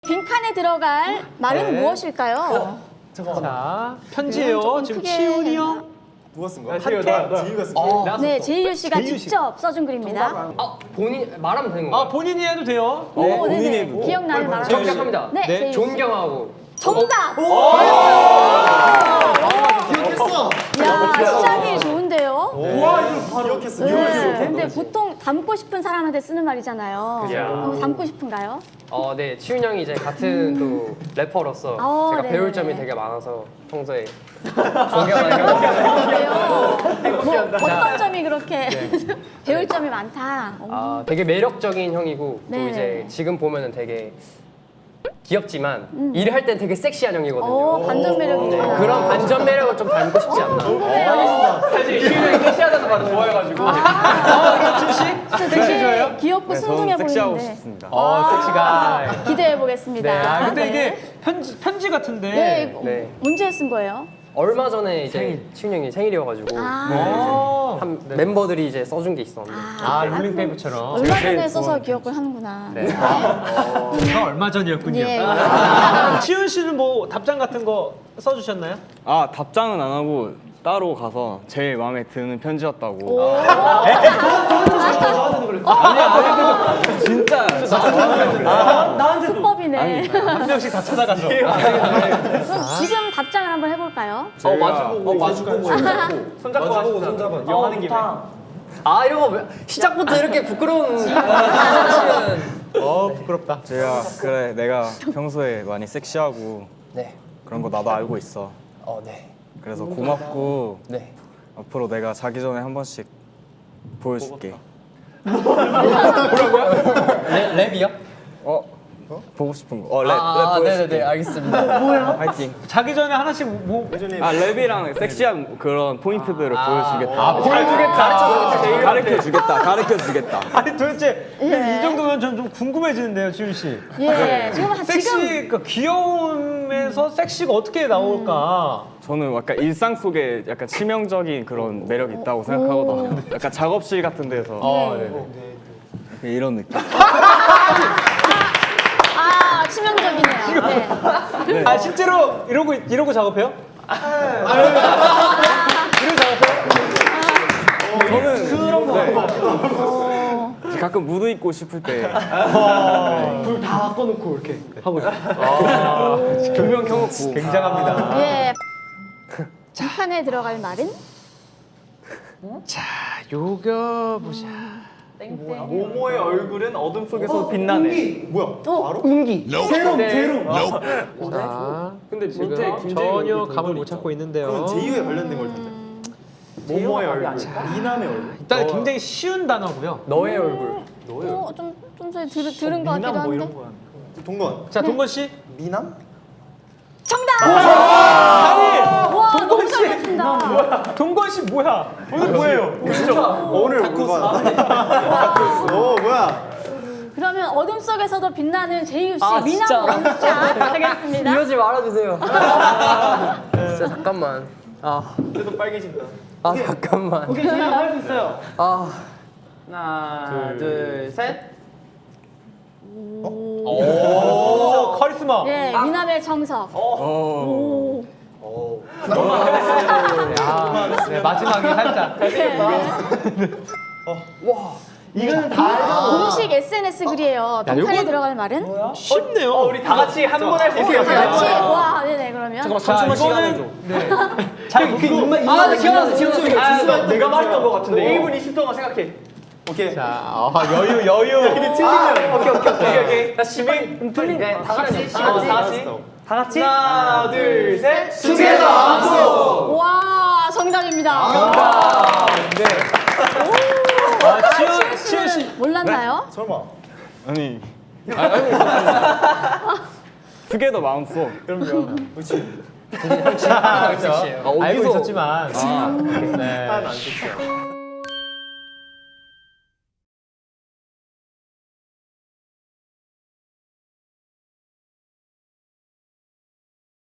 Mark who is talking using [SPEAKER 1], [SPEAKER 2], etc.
[SPEAKER 1] 빈칸에 들어갈 말은
[SPEAKER 2] 네.
[SPEAKER 1] 무엇일까요?
[SPEAKER 2] 자, 편지예요.
[SPEAKER 1] 조금
[SPEAKER 2] 지금
[SPEAKER 1] 크게
[SPEAKER 2] 치훈이 형.
[SPEAKER 3] 누가 쓴 거야?
[SPEAKER 4] 제이유가 쓴 거야.
[SPEAKER 1] 네, 제이유 씨가
[SPEAKER 2] 제이유 씨.
[SPEAKER 1] 직접 써준 글입니다.
[SPEAKER 5] 본인 말하면 되는 거예요?
[SPEAKER 2] 아, 본인이 해도 돼요.
[SPEAKER 1] 네, 네네. 기억나는 말.
[SPEAKER 5] 저 시작합니다.
[SPEAKER 1] 네, 제이유 씨.
[SPEAKER 5] 존경하고.
[SPEAKER 1] 정답!
[SPEAKER 3] 기억했어.
[SPEAKER 1] 야, 시작이 좋은데요?
[SPEAKER 3] 와 이거 기억했어.
[SPEAKER 1] 네, 근데 보통 닮고 싶은 사람한테 쓰는 말이잖아요.
[SPEAKER 5] 그죠.
[SPEAKER 1] 닮고 싶은가요?
[SPEAKER 5] 네, 치훈 형이 이제 같은 또 래퍼로서 제가
[SPEAKER 1] 네네네.
[SPEAKER 5] 배울 점이 되게 많아서 평소에 존경하는 형.
[SPEAKER 1] 그래요? 뭐 어떤 점이 그렇게 배울 점이 많다.
[SPEAKER 5] 되게 매력적인 형이고 또
[SPEAKER 1] 네네.
[SPEAKER 5] 이제 지금 보면은 되게 귀엽지만 일을 할 땐 되게 섹시한 형이거든요.
[SPEAKER 1] 오, 반전 매력이구나.
[SPEAKER 5] 그런 반전 매력을 좀 닮고 싶지 않나.
[SPEAKER 1] 궁금해요.
[SPEAKER 5] 사실 치훈 형이 섹시하다는 말을 좋아해가지고.
[SPEAKER 1] 되게 귀엽고 순둥해
[SPEAKER 4] 섹시하고
[SPEAKER 1] 보이는데.
[SPEAKER 4] 싶습니다.
[SPEAKER 2] 섹시가.
[SPEAKER 1] 기대해 보겠습니다.
[SPEAKER 2] 네. 아, 근데 이게 편지 같은데.
[SPEAKER 1] 네,
[SPEAKER 5] 네.
[SPEAKER 1] 언제 쓴 거예요?
[SPEAKER 5] 얼마 전에 이제 치훈 형이 생일이어가지고
[SPEAKER 2] 어.
[SPEAKER 5] 멤버들이 이제 써준 게 있었는데.
[SPEAKER 2] 아, 롤링페이퍼처럼.
[SPEAKER 1] 얼마 전에 써서 기억을 하는구나.
[SPEAKER 5] 네.
[SPEAKER 2] 가 얼마 전이었군요.
[SPEAKER 1] 예.
[SPEAKER 2] 치훈 씨는 뭐 답장 같은 거 써주셨나요?
[SPEAKER 4] 아 답장은 안 하고 따로 가서 제일 마음에 드는 편지였다고. 진짜.
[SPEAKER 1] 수법이네.
[SPEAKER 2] 한 명씩 다 찾아가서.
[SPEAKER 1] 그럼 지금 답장을 한번 해볼까요?
[SPEAKER 5] 손잡고 하는 김에. 이런 거 시작부터 이렇게 부끄러운.
[SPEAKER 2] 부끄럽다.
[SPEAKER 4] 제가 그래 내가 평소에 많이 섹시하고
[SPEAKER 5] 네.
[SPEAKER 4] 그런 거 나도 알고 있어.
[SPEAKER 5] 네.
[SPEAKER 4] 그래서 고맙고
[SPEAKER 5] 네.
[SPEAKER 4] 앞으로 내가 자기 전에 한 번씩 보여줄게.
[SPEAKER 5] 랩이요?
[SPEAKER 4] 보고 싶은 거. 랩 보여줄게.
[SPEAKER 5] 네네네, 알겠습니다.
[SPEAKER 4] 파이팅.
[SPEAKER 2] 자기 전에 하나씩 뭐.
[SPEAKER 4] 랩이랑 섹시한 그런 포인트들을 보여주겠다.
[SPEAKER 2] 보여주겠다.
[SPEAKER 4] 가르쳐 주겠다.
[SPEAKER 2] 아니 도대체
[SPEAKER 1] 예.
[SPEAKER 2] 이 정도면 전 좀 궁금해지는데요, 치훈 씨.
[SPEAKER 1] 예. 지금
[SPEAKER 2] 섹시, 그러니까 귀여움에서 섹시가 어떻게 나올까?
[SPEAKER 4] 저는 약간 일상 속에 약간 치명적인 그런 매력이 있다고 생각하거든요. 약간 작업실 같은 데서 약간 이런 느낌.
[SPEAKER 1] 치명적이네요. 네.
[SPEAKER 2] 아 실제로 이러고 작업해요? 이러고 작업해요?
[SPEAKER 4] 저는 그런 거 가끔 무드 입고 싶을 때
[SPEAKER 2] 조명 켜놓고 굉장합니다.
[SPEAKER 1] 예. 빈칸에 들어갈 말은?
[SPEAKER 2] 자, 요거 보자.
[SPEAKER 3] 모모의 얼굴은 어둠 속에서 빛나네. 뭐야? 바로?
[SPEAKER 2] 자,
[SPEAKER 5] 근데 지금
[SPEAKER 2] 전혀 감을 못 찾고 있는데요.
[SPEAKER 3] 그건 제이유에 관련된 걸 텐데. 모모의 얼굴, 미남의 얼굴.
[SPEAKER 2] 일단 굉장히 쉬운 단어고요.
[SPEAKER 5] 너의 얼굴.
[SPEAKER 1] 좀 전에 들은 것 같기도 한데.
[SPEAKER 3] 동건.
[SPEAKER 2] 자, 동건 씨.
[SPEAKER 3] 미남?
[SPEAKER 1] 정답! 와, 너무 잘했습니다.
[SPEAKER 2] 동건 씨 뭐야? 오늘 뭐예요?
[SPEAKER 3] 오늘 물건. 오 뭐야?
[SPEAKER 1] 그러면 어둠 속에서도 빛나는 제이유 씨 미남
[SPEAKER 5] 진짜.
[SPEAKER 1] 원샷 가겠습니다.
[SPEAKER 5] 이러지 말아주세요. 진짜 잠깐만.
[SPEAKER 3] 쟤도 빨개진다.
[SPEAKER 5] 잠깐만.
[SPEAKER 6] 오케이, 제가 할 수 있어요. 하나,
[SPEAKER 5] 둘, 셋.
[SPEAKER 2] 오, 카리스마.
[SPEAKER 1] 예, 미남의 정석. 오.
[SPEAKER 2] 네, 마지막에 살짝.
[SPEAKER 6] 이거는 다 알죠?
[SPEAKER 1] 공식 SNS 글이에요. 빈칸에
[SPEAKER 2] 요건-
[SPEAKER 1] 들어갈 말은?
[SPEAKER 2] 쉽네요.
[SPEAKER 6] 우리 다 같이 한 번 할 수 있어요.
[SPEAKER 1] 같이 와, 네네 그러면.
[SPEAKER 2] 자, 이거는
[SPEAKER 6] 잘 입만
[SPEAKER 5] 네, 기억났어.
[SPEAKER 6] 내가 말했던 거 같은데. 1분 20 동안 생각해.
[SPEAKER 3] 오케이.
[SPEAKER 2] 자, 여유.
[SPEAKER 6] 오케이.
[SPEAKER 5] 나 지금 틀린. 네, 다 같이.
[SPEAKER 6] 다 같이. 하나, 둘, 셋.
[SPEAKER 1] 와, 정답입니다.
[SPEAKER 2] 치훈 씨.
[SPEAKER 1] 몰랐나요?
[SPEAKER 3] 설마.
[SPEAKER 4] 아니 투게더 마음속.
[SPEAKER 3] 그렇지.
[SPEAKER 5] 섹시해요.
[SPEAKER 2] 알고 있었지만. 네.
[SPEAKER 3] 안 좋죠.